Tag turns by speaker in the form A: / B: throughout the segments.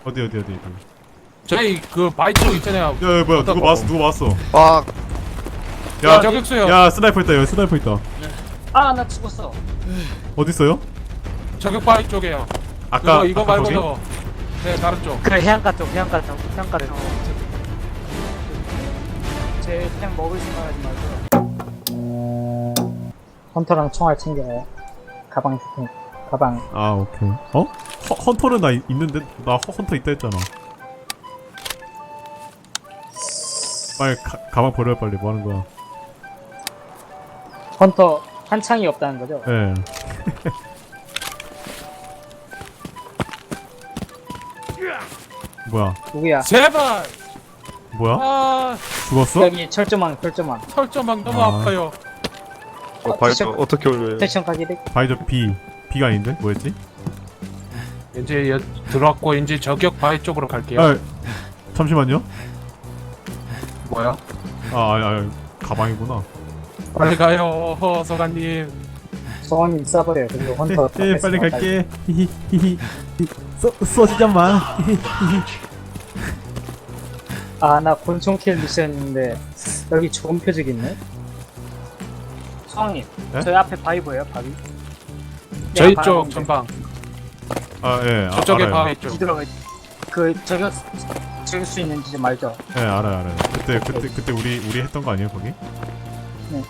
A: 어디.
B: 저희 그 바위 쪽 있잖아요.
A: 야 뭐야 누구 맞았어.
C: 아,
A: 야
B: 저격수요.
A: 야 스나이퍼 있다. 여기 스나이퍼 있다.
D: 아, 나 죽었어.
A: 어디 있어요?
B: 저격 바위 쪽이에요.
A: 아까
B: 이거
A: 아까
B: 말고도 네 다른 쪽.
D: 그 해안가 쪽. 제 템 먹을 생각하지 말고. 헌터랑 총알 챙겨요. 가방 있을 테니까. 가방.
A: 아 오케이. 어? 헌터는 나 있는데 나 헌터 있다 했잖아. 빨리 가방 버려 빨리. 뭐 하는 거야?
D: 헌터 한 창이 없다는 거죠?
A: 예. 뭐야?
D: 누구야?
B: 제발.
A: 뭐야?
B: 아
A: 죽었어?
D: 여기 철조망.
B: 설정막 너무
A: 아.
B: 아파요.
C: 바이저 어떻게 올려요?
D: 패션 가게 돼?
A: 바이저 B가 아닌데? 뭐였지?
B: 이제 들어왔고 이제 저격 바위 쪽으로 갈게요.
A: 아 잠시만요.
B: 뭐야?
A: 아 가방이구나.
B: 빨리 가요, 소관님.
D: 소원님 쏴버려요. 그리고 헌터.
A: 예 빨리 갈게. 히히히히. 쏘지자마.
D: 아, 나 곤충킬 미션인데 여기 좋은 표적 있네. 소왕님,
A: 네?
D: 저희 앞에 바위 보여요? 바위?
B: 저희
D: 내가
B: 쪽
D: 바라보는데
B: 전방.
A: 아 예.
B: 저쪽에
A: 알아요.
B: 바위 쪽.
D: 뒤들어가. 그 저격 수 있는 지점 알죠?
A: 예 알아요. 그때 우리 했던 거 아니에요 거기?
D: 네.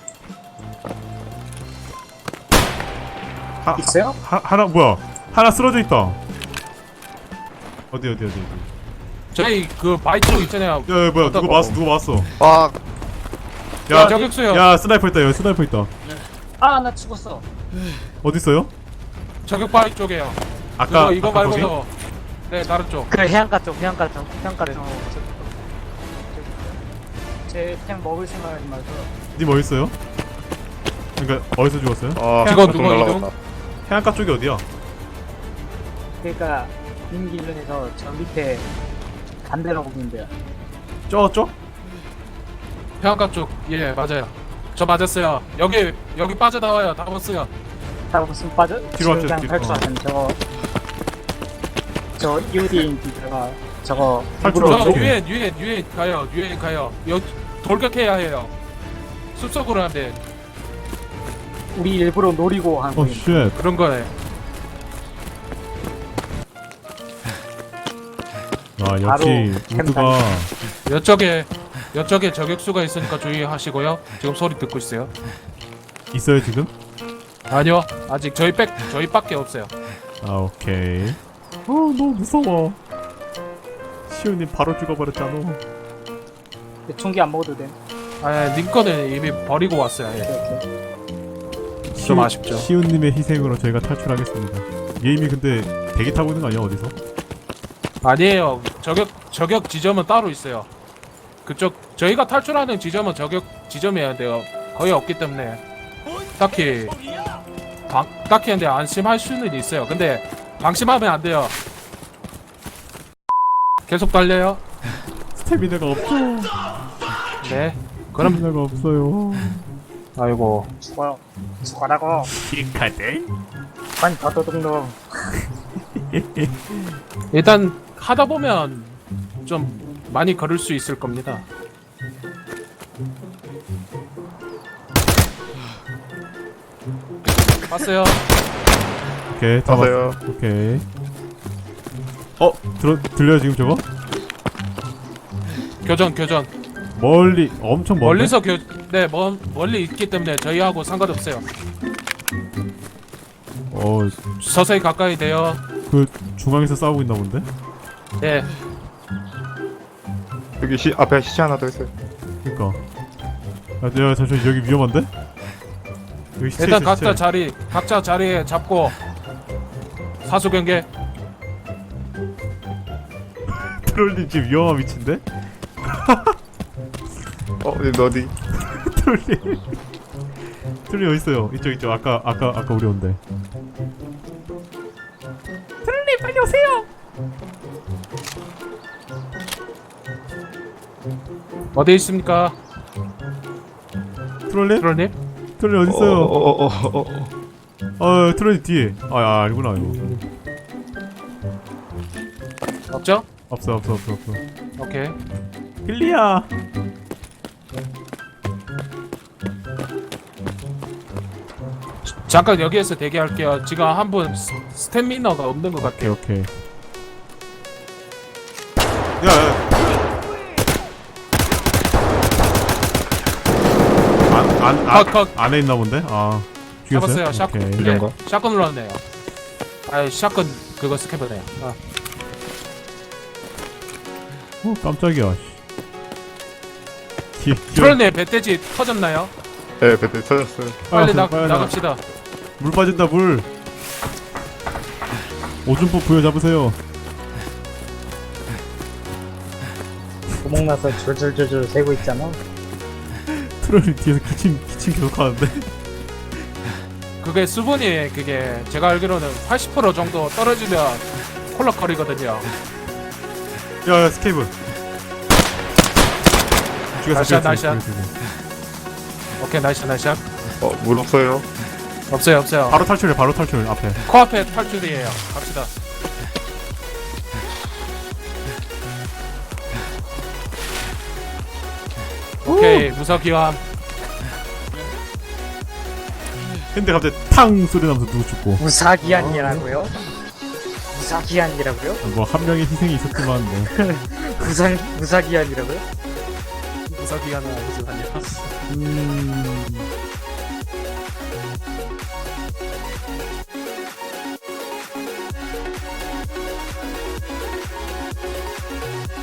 D: 있어요?
A: 하나 뭐야? 하나 쓰러져 있다. 어디.
B: 저희 그 바위 쪽 있잖아요.
A: 야 뭐야
B: 어떤
A: 누구 맞았어?
C: 아,
A: 야
B: 저격수요.
A: 야 스나이퍼 있다. 여기 스나이퍼 있다.
D: 아, 나 죽었어.
A: 어디 있어요?
B: 저격 바위 쪽이에요.
A: 아까
B: 이거
A: 아까
B: 말고도 네 다른 쪽.
D: 그 해안가 쪽, 해안가를. 제템 먹을 생각하지 말고.
A: 님 어디 있어요? 그러니까 어디서 죽었어요?
C: 아,
B: 직원
C: 좀
B: 누구
C: 날라갔다.
B: 이동?
A: 해안가 쪽이 어디야?
D: 그러니까 임기준에서 저 밑에 반대로 보는데요.
A: 저?
B: 해안가 쪽. 예 맞아요. 저 맞았어요. 여기 빠져나와요. 다 봤어요.
D: 다 무슨 빠져?
A: 뒤로 왔죠,
D: 그냥
A: 뒤로.
D: 탈출하는 저 EOD인지가 저거
A: 탈출
D: 일부러
A: 어떻게 해?
B: 유엔 가요. 여기 돌격해야 해요. 숲속으로 하면
D: 우리 일부러 노리고 한
A: 어
D: 거예요.
A: 쉣.
B: 그런 거예요.
A: 아 역시
D: 바로
A: 우드가
B: 여쪽에 저격수가 있으니까 주의하시고요. 지금 소리 듣고 있어요.
A: 있어요 지금?
B: 아니요, 아직 저희밖에 없어요.
A: 아 오케이. 너무 무서워. 시우님 바로 죽어버렸잖아.
D: 총기 안 먹어도 돼.
B: 아, 링컨을 이미 버리고 왔어요. 예.
D: 이렇게.
B: 좀 아쉽죠.
A: 시우님의 희생으로 저희가 탈출하겠습니다. 얘 이미 근데 대기 타고 있는 거 아니야 어디서?
B: 아니에요. 저격 지점은 따로 있어요. 그쪽 저희가 탈출하는 지점은 저격 지점이어야 돼요. 거의 없기 때문에 딱히 근데 안심할 수는 있어요. 근데 방심하면 안 돼요. 계속 달려요.
A: 스태미나가 없죠.
B: 네. 그럼
A: 스태미나가 없어요.
B: 아이고.
D: 죽어라고.
A: 킥하대?
D: 아니 더더덕너.
B: 일단 하다 보면 좀 많이 걸을 수 있을 겁니다. 봤어요.
A: 오케이 다
C: 맞아요.
A: 봤어. 오케이. 들려요 지금 저거?
B: 교전.
A: 멀리 엄청 멀리.
B: 멀리서 멀리 있기 때문에 저희하고 상관없어요. 서서히 가까이 돼요.
A: 그 중앙에서 싸우고 있나 본데?
B: 네.
C: 여기 앞에 시체 하나 더 있어요.
A: 그니까. 야 잠시만 여기 위험한데? 여기 시체
B: 일단
A: 있어, 시체.
B: 각자 자리에 잡고 사수 경계.
A: 트롤님 지금 위험한 위치인데?
C: 어디?
A: 트롤님. 트롤님 어디 있어요? 이쪽. 아까 우리 온대. 트롤님 빨리 오세요.
B: 어디 있습니까?
A: 트롤님?
B: 트롤님?
A: 트롤님 어디 있어요?
C: 어.
A: 트롤님 뒤에. 아니구나 이거.
B: 없죠?
A: 없어.
B: 오케이.
A: 클리어.
B: 잠깐 여기에서 대기할게요. 지금 한 분 스태미너가 없는 것 같아요.
A: 오케이. 야.
B: 컷.
A: 안에 있나 본데? 죽였어요?
B: 잡았어요. 샷건.
A: 오케이.
C: 이런 거?
B: 샷건 눌렀네요. 샷건 그거 스캐버네요.
A: 깜짝이야.
B: 트롤님 배돼지 터졌나요?
C: 네, 배터리 터졌어요.
B: 빨리
A: 빨리
B: 나갑시다.
A: 물 빠진다 물. 오줌포 부여잡으세요.
D: 구멍 나서 줄줄줄줄 새고 있잖아.
A: 트롤이 뒤에서 기침 계속 하는데.
B: 그게 수분이 그게 제가 알기로는 80% 정도 떨어지면 콜락거리거든요.
A: 야 스케이브. 죽였어.
B: 나이샷. 오케이 나이스.
C: 물 없어요.
B: 없어요.
A: 바로 탈출 앞에.
B: 코앞에 탈출이에요. 갑시다. 오케이 무서기함.
A: 근데 갑자기 탕 소리 나면서 누구 죽고.
D: 무사기한이라고요? 무사기한이라고요?
A: 뭐 한 명의 희생이 있었지만 뭐.
D: 무사기한이라고요?
B: 무서기함은 아니지 아니야.